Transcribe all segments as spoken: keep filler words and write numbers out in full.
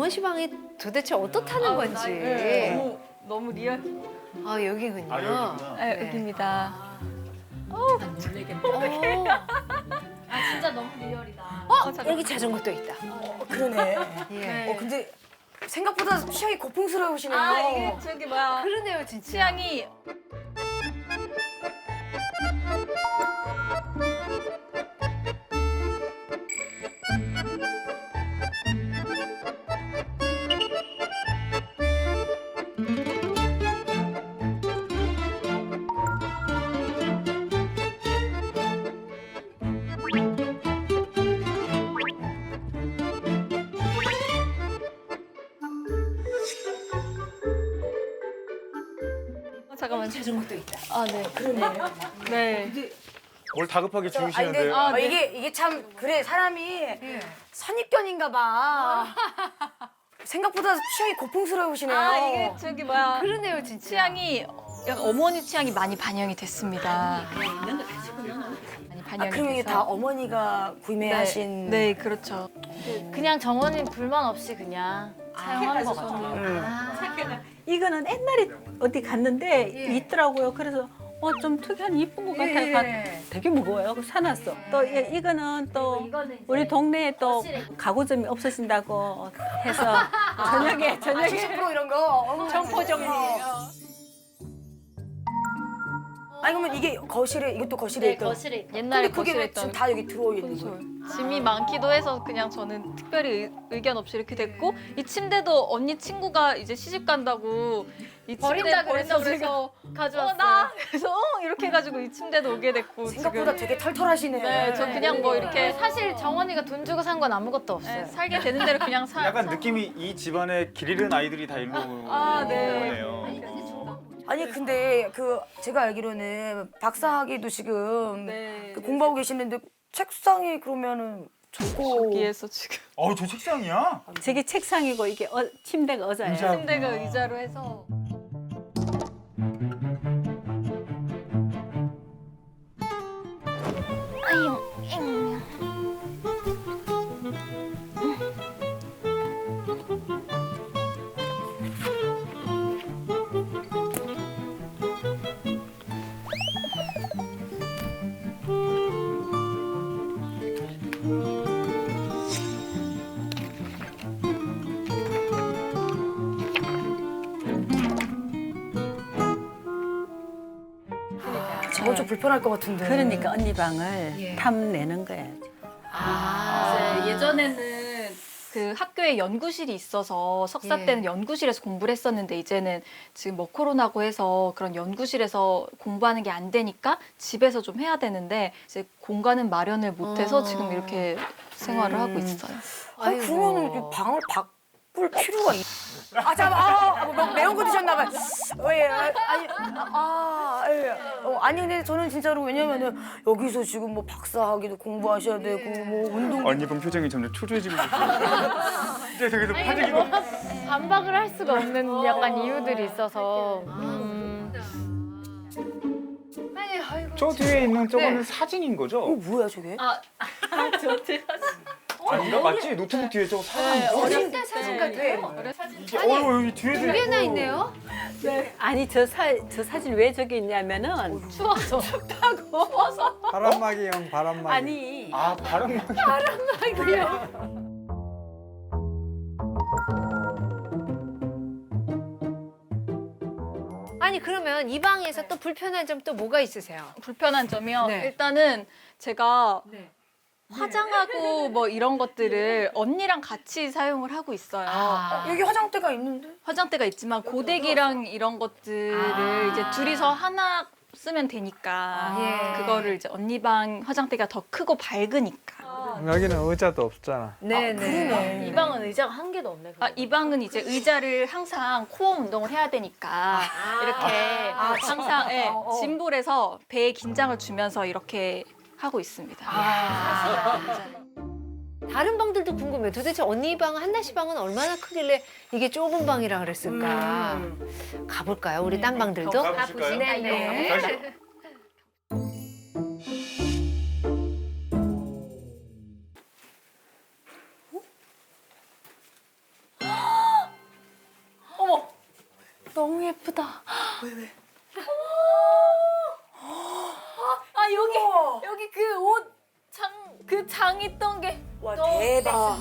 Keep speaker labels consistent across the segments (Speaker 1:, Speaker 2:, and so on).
Speaker 1: 정원 씨 방이 도대체 어떻다는 건지.
Speaker 2: 네. 너무 너무 리얼.
Speaker 1: 아 여기군요.
Speaker 3: 아, 여기구나.
Speaker 2: 네,
Speaker 1: 네.
Speaker 2: 여기입니다.
Speaker 1: 어.
Speaker 4: 아 진짜 너무 리얼이다.
Speaker 1: 어, 여기 자전거도 있다.
Speaker 5: 어, 그러네.
Speaker 1: 예.
Speaker 5: 어, 근데 생각보다 취향이 고풍스러우시네요.
Speaker 2: 아 이게 저기 뭐야
Speaker 1: 그러네요 진짜.
Speaker 2: 취향이 어, 잠깐만
Speaker 1: 자전거도 있다.
Speaker 2: 아 네 그러네 네
Speaker 3: 뭘 다급하게
Speaker 5: 아니, 근데
Speaker 3: 주무시는데요?
Speaker 2: 아,
Speaker 5: 어,
Speaker 2: 네.
Speaker 5: 이게 이게 참 그래 사람이 선입견인가 봐. 생각보다 취향이 고풍스러우시네요.
Speaker 2: 아 이게 저기 뭐야
Speaker 1: 그러네요 진짜.
Speaker 2: 취향이 약간 어머니 취향이 많이 반영이 됐습니다. 많이
Speaker 5: 아,
Speaker 2: 반영이
Speaker 5: 그럼 이게
Speaker 2: 돼서.
Speaker 5: 다 어머니가 구매하신.
Speaker 2: 네, 네 그렇죠.
Speaker 4: 그냥 정원이 불만 없이 그냥 사용하는 것 같아요.
Speaker 5: 음.
Speaker 6: 이거는 옛날에 어디 갔는데
Speaker 1: 예.
Speaker 6: 있더라고요. 그래서 어 좀 특이한 이쁜 것 같아서
Speaker 1: 예.
Speaker 6: 가- 되게 무거워요. 그래서 사놨어. 또 이- 이거는 또
Speaker 4: 이거는 이제
Speaker 6: 우리 동네에 또
Speaker 4: 거실에.
Speaker 6: 가구점이 없어진다고 해서 저녁에 저녁에
Speaker 5: 칠십 퍼센트 이런 거. 어머.
Speaker 6: 점포 정리예요.
Speaker 5: 아니 그러면 이게 거실에 이것도 거실에
Speaker 4: 네,
Speaker 5: 있던.
Speaker 4: 거실에 있다.
Speaker 2: 옛날에
Speaker 5: 근데 그게
Speaker 2: 거실에
Speaker 5: 왜 지금
Speaker 2: 있던
Speaker 5: 다 여기 들어와 있는
Speaker 2: 콘솔.
Speaker 5: 거예요?
Speaker 2: 짐이 많기도 해서 그냥 저는 특별히 의- 의견 없이 이렇게 됐고 이 침대도 언니 친구가 이제 시집 간다고 이 침대
Speaker 4: 버린다
Speaker 2: 버린다
Speaker 4: 그래서
Speaker 2: 그래서
Speaker 4: 가져왔어요.
Speaker 2: 어, 나 그래서 어, 이렇게 해가지고 이 침대도 오게 됐고
Speaker 5: 생각보다
Speaker 2: 지금
Speaker 5: 되게 털털하시네.
Speaker 2: 네, 저 그냥 뭐 이렇게
Speaker 4: 사실 정원이가 돈 주고 산 건 아무것도 없어요.
Speaker 2: 네, 살게 되는 대로 그냥 사.
Speaker 3: 약간
Speaker 2: 사-
Speaker 3: 느낌이 이 집안에 길 잃은 아이들이 다 일로
Speaker 2: 아,
Speaker 3: 온
Speaker 2: 네.
Speaker 3: 거네요.
Speaker 5: 아니 근데 그 제가 알기로는 박사학위도 지금
Speaker 2: 네.
Speaker 5: 그 공부하고 계시는데 책상이 그러면은 저거
Speaker 2: 여기에서 지금
Speaker 3: 어, 저 책상이야?
Speaker 6: 저게 책상이고 이게 어, 침대가 의자예요.
Speaker 3: 의자.
Speaker 2: 침대가 의자로 해서
Speaker 5: 저건 좀 불편할 것 같은데.
Speaker 6: 그러니까 언니 방을
Speaker 1: 예.
Speaker 6: 탐내는 거야.
Speaker 2: 아, 이제 예전에는 그 학교에 연구실이 있어서 석사
Speaker 1: 예.
Speaker 2: 때는 연구실에서 공부를 했었는데 이제는 지금 뭐 코로나고 해서 그런 연구실에서 공부하는 게 안 되니까 집에서 좀 해야 되는데 이제 공간은 마련을 못해서
Speaker 1: 어.
Speaker 2: 지금 이렇게 생활을 하고
Speaker 5: 음.
Speaker 2: 있어요.
Speaker 5: 아 그러면은 이 방을 바꿀 필요가 있. 아 잠깐 아, 아 뭐, 매운 거 드셨나 봐요. 왜 아니 아 예. 어, 아니 근데 저는 진짜로 왜냐면은 여기서 지금 뭐 박사학위도 공부하셔야 되고 뭐 운동.
Speaker 3: 언니 분 표정이 점점 초조해지고 있어요. 이제 저기서 파지기고.
Speaker 4: 반박을 할 수가 없는 약간 이유들이 있어서. 음.
Speaker 1: 아니 아이고.
Speaker 3: 저 뒤에 있는 저거는
Speaker 1: 네.
Speaker 3: 사진인
Speaker 5: 어
Speaker 3: 거죠?
Speaker 5: 뭐야 저게?
Speaker 2: 아, 저 제가
Speaker 3: 아니, 이거 맞지? 노트북 뒤에 저거 사진.
Speaker 1: 어릴 때 사진 같아요.
Speaker 3: 이게 어, 여기 뒤에도
Speaker 1: 두 개나
Speaker 3: 있고.
Speaker 1: 있네요.
Speaker 6: 아니 저, 사, 저 사진 왜 저기 있냐면은
Speaker 2: 추워서
Speaker 7: 바람막이형 바람막이.
Speaker 6: 아니
Speaker 3: 아, 바람.
Speaker 1: 아니 그러면 이 방에서 또 불편한 점 또 뭐가 있으세요?
Speaker 2: 불편한 점이요.
Speaker 1: 네.
Speaker 2: 일단은 제가
Speaker 1: 네.
Speaker 2: 화장하고 뭐 이런 것들을 언니랑 같이 사용을 하고 있어요.
Speaker 1: 아.
Speaker 5: 여기 화장대가 있는데?
Speaker 2: 화장대가 있지만 고데기랑 이런 것들을
Speaker 1: 아.
Speaker 2: 이제 둘이서 하나 쓰면 되니까
Speaker 1: 아, 예.
Speaker 2: 그거를 이제 언니 방 화장대가 더 크고 밝으니까
Speaker 7: 여기는 의자도 없잖아.
Speaker 1: 네네.
Speaker 4: 이 방은 의자가 한 개도 없네.
Speaker 2: 아, 이 방은 이제 의자를 항상 코어 운동을 해야 되니까 이렇게 항상 예,
Speaker 5: 어, 어.
Speaker 2: 짐볼에서 배에 긴장을 주면서 이렇게 하고 있습니다.
Speaker 1: 아. 다른 방들도 궁금해요. 도대체 언니 방, 한나 씨 방은 얼마나 크길래 이게 좁은 방이라 그랬을까?
Speaker 5: 음.
Speaker 1: 가볼까요? 우리 딴 방들도?
Speaker 3: 가보실까요?
Speaker 1: 네네.
Speaker 2: 너무 예쁘다. 왜 왜? 아 여기 여기 그 옷 장 그 장 있던 게.
Speaker 5: 와 대박.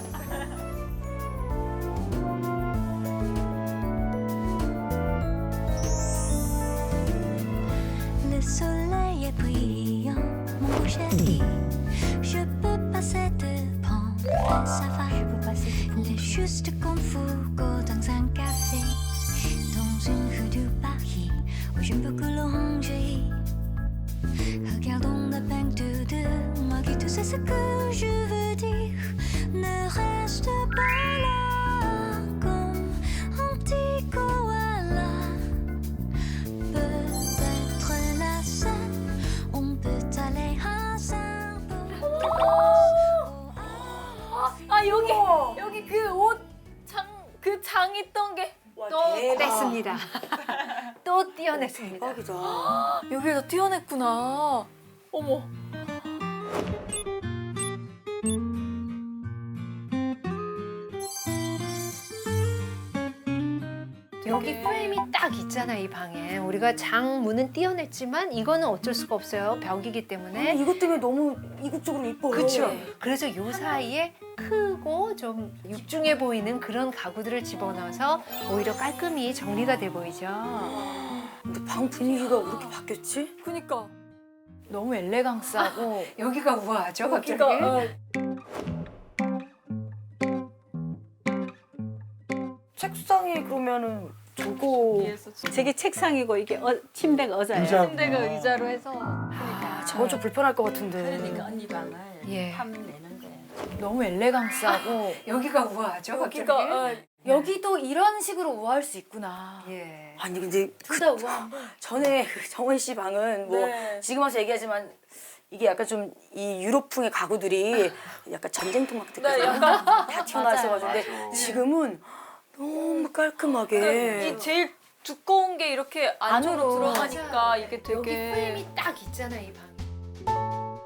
Speaker 8: Le soleil est brillant, mon beau chéri. Je peux passer devant, ça va. Je peux passer devant. Il est juste comme Foucault dans un café, dans une rue de Paris où je ne peux que longer. Regardons la peinture de moi qui tu sais ce que je veux dire. Ne reste pas là comme un petit koala. Peut-être la scène, on peut aller ensemble.
Speaker 2: 아 여기 여기 그 옷 장 그 장 있던 게.
Speaker 5: 와
Speaker 1: 또
Speaker 5: 대박.
Speaker 1: 냈습니다. 또 띄어냈습니다.
Speaker 5: 대박이다.
Speaker 2: 여기에서 띄어냈구나. 어머.
Speaker 1: 여기 프레임이 딱 있잖아 이 방에. 우리가 장 문은 띄어냈지만 이거는 어쩔 수가 없어요. 벽이기 때문에.
Speaker 5: 이것 때문에 너무 이국적으로 이뻐요.
Speaker 1: 그렇죠. 그래서 요 사이에 크고 좀 육중해 보이는 그런 가구들을 집어넣어서 오히려 깔끔히 정리가 돼 보이죠.
Speaker 5: 근데 방 분위기가 왜 이렇게 바뀌었지?
Speaker 2: 그니까 너무 엘레강스하고
Speaker 1: 여기가 우아하죠, 갑자기.
Speaker 2: 여기가 어,
Speaker 5: 책상이 그러면은 저거
Speaker 6: 저게 책상이고 이게 어, 침대가 의자예요.
Speaker 3: 의자.
Speaker 2: 침대가 의자로 해서
Speaker 5: 아, 저건 좀 불편할 것 같은데.
Speaker 6: 그러니까 언니 방을
Speaker 1: 예.
Speaker 6: 하면 되는데.
Speaker 2: 너무 엘레강스하고
Speaker 1: 여기가 우아하죠, 갑자기.
Speaker 2: 여기가 어, 여기도 이런 식으로 우아할 수 있구나.
Speaker 1: 예.
Speaker 5: 아니 근데 그
Speaker 2: 진짜 우아.
Speaker 5: 전에 그 정원 씨 방은 뭐
Speaker 2: 네.
Speaker 5: 지금 와서 얘기하지만 이게 약간 좀 이 유럽풍의 가구들이 약간 전쟁통 막
Speaker 2: 네,
Speaker 5: 다
Speaker 2: 약간
Speaker 5: 튀어나와 있어가지고 근데 지금은 너무 깔끔하게
Speaker 2: 이 제일 두꺼운 게 이렇게 안으로,
Speaker 1: 안으로.
Speaker 2: 들어가니까
Speaker 1: 맞아요.
Speaker 2: 이게 되게
Speaker 1: 여기 프레임이 딱 있잖아 이 방에.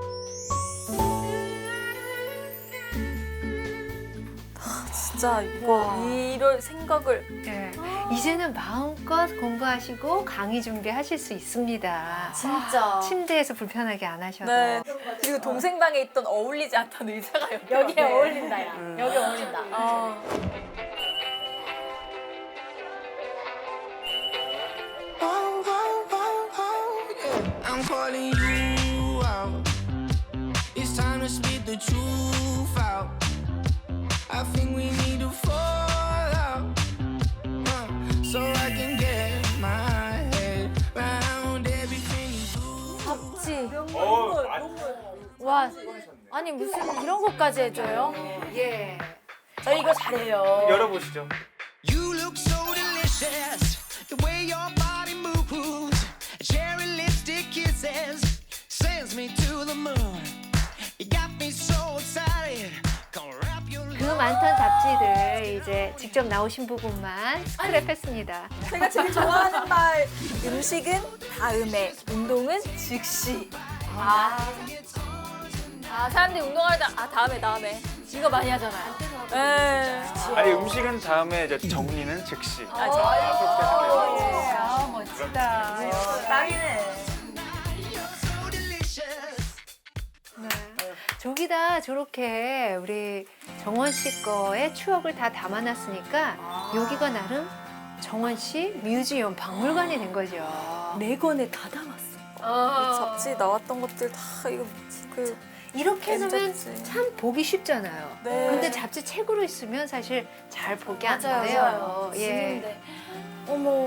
Speaker 2: 진짜 이거 이럴 생각을
Speaker 1: 예. 이제는 마음껏 공부하시고 강의 준비하실 수 있습니다.
Speaker 2: 진짜.
Speaker 1: 침대에서 불편하게 안 하셔도.
Speaker 2: 네. 그리고 동생 방에 있던 어울리지 않던 의자가 여기
Speaker 4: 여기에
Speaker 2: 왔네.
Speaker 4: 어울린다, 야.
Speaker 5: 음.
Speaker 4: 여기 어울린다.
Speaker 2: 아.
Speaker 9: I'm calling you out. It's time to spit the truth out. I think we need to fall out, uh, so I can get my head round everything you do.
Speaker 2: 없지.
Speaker 3: 어,
Speaker 4: 와, 아니 무슨 이런 것까지 해줘요?
Speaker 1: 예.
Speaker 5: 저희 이거 잘해요.
Speaker 3: 열어보시죠.
Speaker 9: You look so delicious, the way your body moves. Cherry lipstick kisses sends me to the moon. You got me so excited. Come wrap your
Speaker 1: 그 많던 잡지들 이제 직접 나오신 부분만 스크랩했습니다.
Speaker 2: 제가 제일 좋아하는 말 음식은 다음에 운동은 즉시. 아, 아 사람들이 운동할 때 아 다음에 다음에 이거 많이 하잖아요. 네.
Speaker 3: 아니 음식은 다음에 이제 정리는 즉시.
Speaker 2: 아, 저,
Speaker 1: 아 멋지다.
Speaker 9: so delicious.
Speaker 1: 저기다 저렇게 우리 정원 씨 거의 추억을 다 담아놨으니까 여기가 나름 정원 씨 뮤지엄 박물관이 된 거죠.
Speaker 2: 네 권에 다 담았어.
Speaker 1: 아.
Speaker 2: 잡지 나왔던 것들 다 이거 그
Speaker 1: 이렇게 해놓으면
Speaker 2: 엠 잡지.
Speaker 1: 참 보기 쉽잖아요.
Speaker 2: 네.
Speaker 1: 근데 잡지 책으로 있으면 사실 잘 보기 안
Speaker 2: 맞아요,
Speaker 1: 돼요.
Speaker 2: 맞아요.
Speaker 1: 예.
Speaker 2: 지는데. 어머.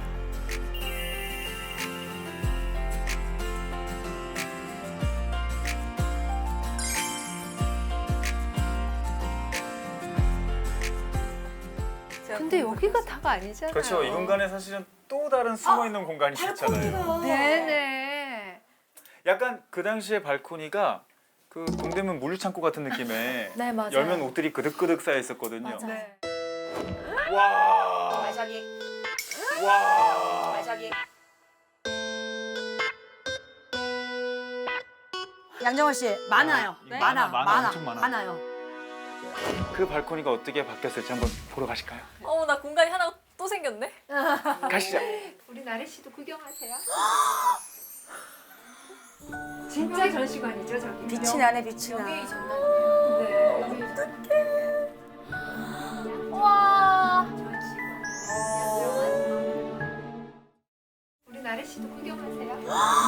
Speaker 1: 근데 여기가 다가 아니잖아요.
Speaker 3: 그렇죠. 이 공간에 사실은 또 다른 숨어 있는 공간이 있잖아요.
Speaker 1: 네네.
Speaker 3: 약간 그 당시에 발코니가 그 동대문 물류창고 같은 느낌에
Speaker 2: 네, 맞아요.
Speaker 3: 열면 옷들이 그득그득 쌓여 있었거든요.
Speaker 2: 맞아요.
Speaker 1: 네.
Speaker 3: 와.
Speaker 5: 발차기,
Speaker 3: 와.
Speaker 5: 발차기. 양정원 씨 많아요.
Speaker 3: 네?
Speaker 5: 많아,
Speaker 3: 많아,
Speaker 5: 많아,
Speaker 3: 엄청 많아.
Speaker 5: 많아요.
Speaker 3: 그 발코니가 어떻게 바뀌었을지 한번 보러 가실까요?
Speaker 2: 어머 나 공간이 하나 또 또 생겼네?
Speaker 3: 가시죠.
Speaker 1: 우리 나래 씨도 구경하세요. 진짜 전시관이죠 저기.
Speaker 5: 빛이 나네, 빛이 나.
Speaker 1: 네.
Speaker 2: 와.
Speaker 1: 우리 나래 씨도 구경하세요.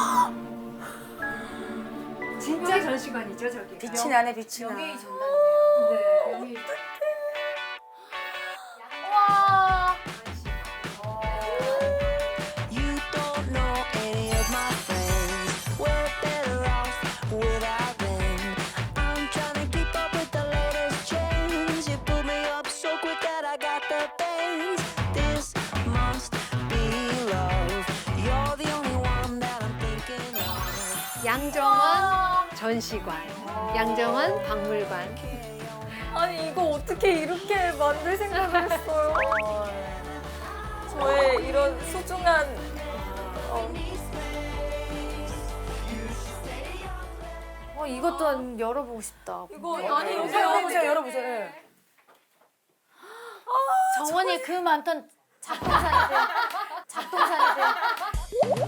Speaker 1: 진짜 전시관이죠 저기.
Speaker 5: 빛이 나네, 빛이 나.
Speaker 1: 명예의 전당이에요. 네. 명예의
Speaker 2: 와.
Speaker 9: You don't know any of my friends. We're better off without them. I'm trying to keep up with the latest trends. You put me up so quick that I got the bends. This must be love. You're the only one that I'm thinking of.
Speaker 1: 양정원 전시관, 양정원 박물관.
Speaker 2: 아니 이거 어떻게 이렇게 만들 생각을 했어요? 저의 이런 소중한 어,
Speaker 5: 어, 이것도 열어보고 싶다.
Speaker 2: 이거 아니
Speaker 5: 열어보세요,
Speaker 2: 이거
Speaker 5: 열어보세요, 열어보세요. 예.
Speaker 4: 정원이 그 많던 작동산이들. 작동산이들.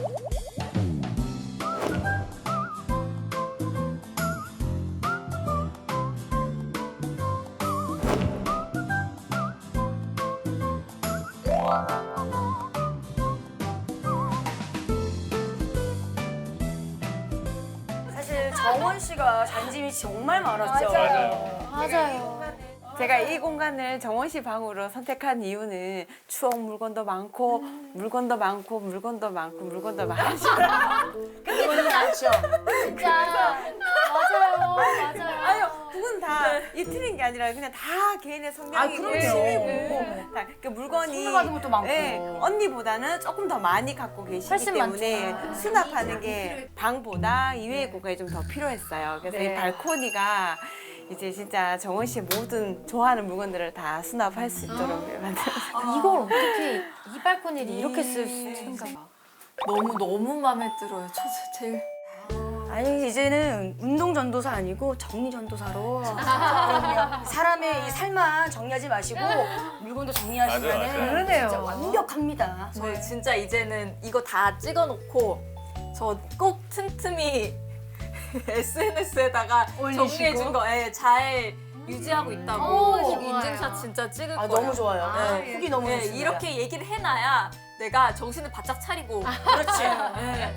Speaker 5: 사실 정원 씨가 잔짐이 정말 많았죠.
Speaker 4: 맞아요.
Speaker 6: 제가 이 공간을 정원 씨 방으로 선택한 이유는 추억 물건도 많고 물건도 많고 물건도 많고 물건도 많으시고
Speaker 5: 근데 그건 않죠.
Speaker 4: 진짜. 맞아요. 맞아요.
Speaker 6: 아유 그건 다 이틀인 게 아니라 그냥 다 개인의 성향이고
Speaker 5: 아, 그럼요.
Speaker 6: 취미고 다 그 물건이
Speaker 5: 선물받은 것도 많고.
Speaker 6: 예, 언니보다는 조금 더 많이 갖고 계시기
Speaker 4: 훨씬
Speaker 6: 때문에
Speaker 4: 많죠.
Speaker 6: 수납하는 게 방보다 이외의 공간이 좀 더 필요했어요. 그래서
Speaker 5: 네.
Speaker 6: 이 발코니가 이제 진짜 정원 씨의 모든 좋아하는 물건들을 다 수납할 수 있도록 만들었어요.
Speaker 4: 이걸 어떻게 이 발코니를 이렇게 쓸 수 있는가 봐.
Speaker 2: 너무 너무 마음에 들어요. 저 제일
Speaker 5: 아니 이제는 운동 전도사 아니고 정리 전도사로 그럼요. 사람의 이 삶만 정리하지 마시고 물건도
Speaker 3: 맞아요,
Speaker 5: 정리하시면
Speaker 3: 맞아요.
Speaker 1: 그러네요.
Speaker 5: 진짜 완벽합니다.
Speaker 2: 저 진짜 이제는 이거 다 찍어놓고 저 꼭 틈틈이 에스엔에스에다가
Speaker 5: 올리시고?
Speaker 2: 정리해준 거 예, 잘 유지하고 있다고
Speaker 1: 오,
Speaker 2: 꼭
Speaker 1: 좋아요.
Speaker 2: 인증샷 진짜 찍을
Speaker 5: 아,
Speaker 2: 거예요.
Speaker 5: 너무 좋아요.
Speaker 1: 아,
Speaker 2: 네.
Speaker 5: 후기 너무
Speaker 2: 예,
Speaker 5: 좋습니다.
Speaker 2: 이렇게 얘기를 해놔야 내가 정신을 바짝 차리고
Speaker 5: 그렇지.
Speaker 2: 예.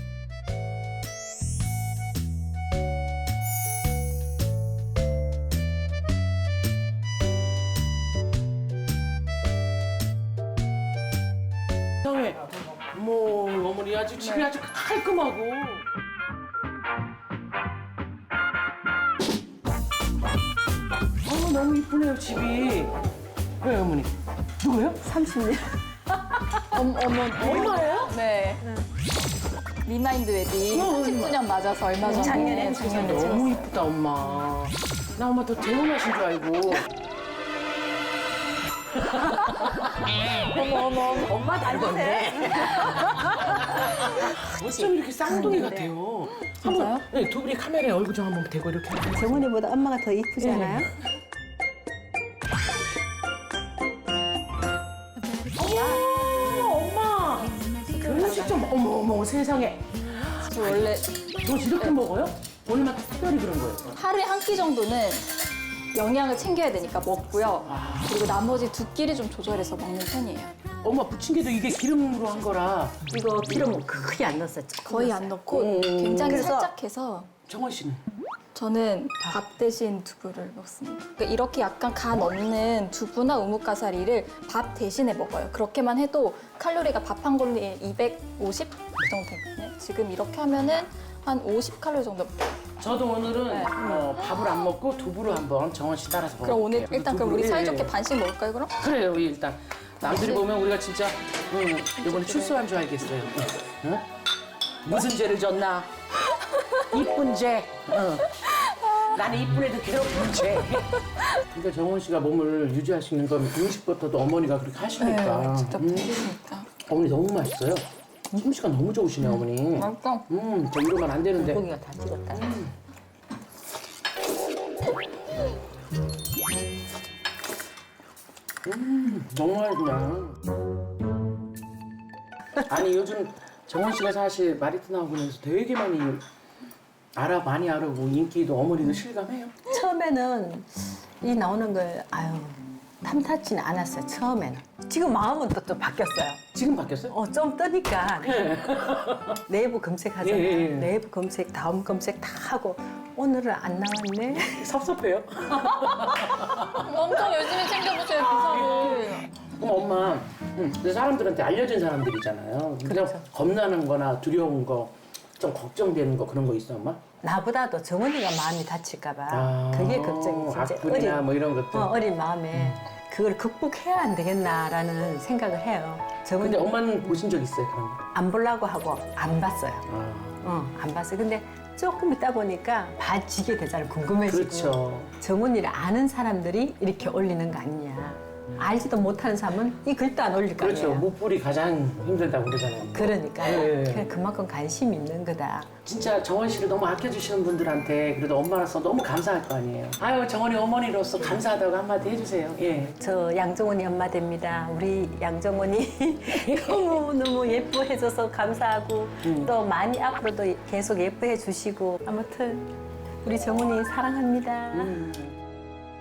Speaker 10: 형이 뭐 어머니 아주 집이 아주 깔끔하고 어 너무 이쁘네요 집이. 왜 어머니 누구요?
Speaker 6: 삼십 년.
Speaker 4: 어머, 어머,
Speaker 10: 얼마예요?
Speaker 4: 네. 리마인드 웨딩 삼십 주년 맞아서 얼마 전에
Speaker 5: 작년에,
Speaker 4: 작년에
Speaker 10: 너무 이쁘다 엄마. 나 엄마 더 재혼하신 줄 알고. 어머 어머 엄마 닮았네. 어쩜 이렇게 쌍둥이 같아요. 한번 네, 두 분이 카메라에 얼굴 좀 한번 대고 이렇게.
Speaker 6: 정원이보다 엄마가 더 이쁘지 않아요?
Speaker 10: 어머 엄마. 결혼식 좀 어머 어머 세상에.
Speaker 4: 저 원래
Speaker 10: 너 이렇게 먹어요? 오늘만 특별히 그런 거예요.
Speaker 4: 하루에 한 끼 정도는 영양을 챙겨야 되니까 먹고요. 그리고 나머지 두 끼를 좀 조절해서 먹는 편이에요.
Speaker 10: 엄마 부침개도 이게 기름으로 한 거라.
Speaker 6: 이거 기름 크게 안 넣었었죠.
Speaker 4: 거의 안 넣고
Speaker 10: 음.
Speaker 4: 굉장히
Speaker 6: 그래서-
Speaker 4: 살짝 해서
Speaker 10: 정원 씨는?
Speaker 4: 저는 밥 대신 두부를 먹습니다. 그러니까 이렇게 약간 간 없는 두부나 우뭇가사리를 밥 대신에 먹어요. 그렇게만 해도 칼로리가 밥 한 공기에 이백오십 그 정도 되거든요. 지금 이렇게 하면은 한 오십 칼로리 정도 먹어요.
Speaker 10: 저도 오늘은 어, 밥을 안 먹고 두부를 한번 정원 씨 따라서 먹을게요.
Speaker 4: 그럼 오늘 일단 그럼 우리
Speaker 10: 두부를-
Speaker 4: 사이좋게 반씩 먹을까요, 그럼?
Speaker 10: 그래요, 일단. 남들이 보면 우리가 진짜 응, 이번에 출소한 줄 알겠어요. 응? 무슨 죄를 졌나? 이쁜 죄. 응. 나는 이쁜 애들 괴롭힌 죄. 그러니까 정원 씨가 몸을 유지할 수 있는 건 음식부터도 어머니가 그렇게 하시니까.
Speaker 4: 직접
Speaker 10: 음.
Speaker 4: 드시니까.
Speaker 10: 어머니 너무 맛있어요. 솜씨가 너무 좋으시네, 어머니.
Speaker 4: 맛있어.
Speaker 10: 음, 저 이러면 안 되는데.
Speaker 6: 고기가 다 찍었다.
Speaker 10: 음, 너무 맛있네. 아니 요즘 정원 씨가 사실 마리트 나오고 나서 되게 많이 알아 많이 알아보고 인기도 어머니도 실감해요.
Speaker 11: 처음에는 이 나오는 걸 아유 탐탁지는 않았어요. 처음에는. 지금 마음은 또 좀 바뀌었어요.
Speaker 10: 지금 바뀌었어요?
Speaker 11: 어, 좀 뜨니까 네이버 검색하잖아요.
Speaker 10: 예, 예, 예.
Speaker 11: 네이버 검색, 다음 검색 다 하고 오늘은 안 나왔네.
Speaker 10: 섭섭해요?
Speaker 2: 엄청 열심히 챙겨보세요 기사를.
Speaker 10: 그럼 엄마, 응, 근데 사람들한테 알려진 사람들이잖아요. 근데
Speaker 11: 그렇죠.
Speaker 10: 겁나는 거나 두려운 거, 좀 걱정되는 거 그런 거 있어, 엄마?
Speaker 11: 나보다도 정원이가 마음이 다칠까 봐.
Speaker 10: 아,
Speaker 11: 그게 걱정이지. 이제
Speaker 10: 악플이나 뭐 이런 것들.
Speaker 11: 어, 어린 마음에 그걸 극복해야 안 되겠나라는 생각을 해요. 정원이
Speaker 10: 근데 엄마는 보신 적 있어요, 그런 거?
Speaker 11: 안 보려고 하고 안 봤어요.
Speaker 10: 아,
Speaker 11: 어, 안 봤어요. 근데 조금 있다 보니까 봐지게 되잖아요. 궁금해지고.
Speaker 10: 그렇죠.
Speaker 11: 정원이를 아는 사람들이 이렇게 올리는 거 아니냐. 알지도 못하는 사람은 이 글도 안 올릴 거
Speaker 10: 그렇죠.
Speaker 11: 아니에요.
Speaker 10: 무뿔이 가장 힘들다고 그러잖아요.
Speaker 11: 그러니까
Speaker 10: 예.
Speaker 11: 그냥 그만큼 관심이 있는 거다.
Speaker 10: 진짜 정원 씨를 너무 아껴주시는 분들한테 그래도 엄마로서 너무 감사할 거 아니에요. 아유, 정원이 어머니로서 감사하다고 한마디 해주세요. 예.
Speaker 11: 저 양정원이 엄마 됩니다. 우리 양정원이 너무너무 예뻐해줘서 감사하고
Speaker 10: 음.
Speaker 11: 또 많이 앞으로도 계속 예뻐해 주시고 아무튼 우리 정원이 사랑합니다.
Speaker 10: 음.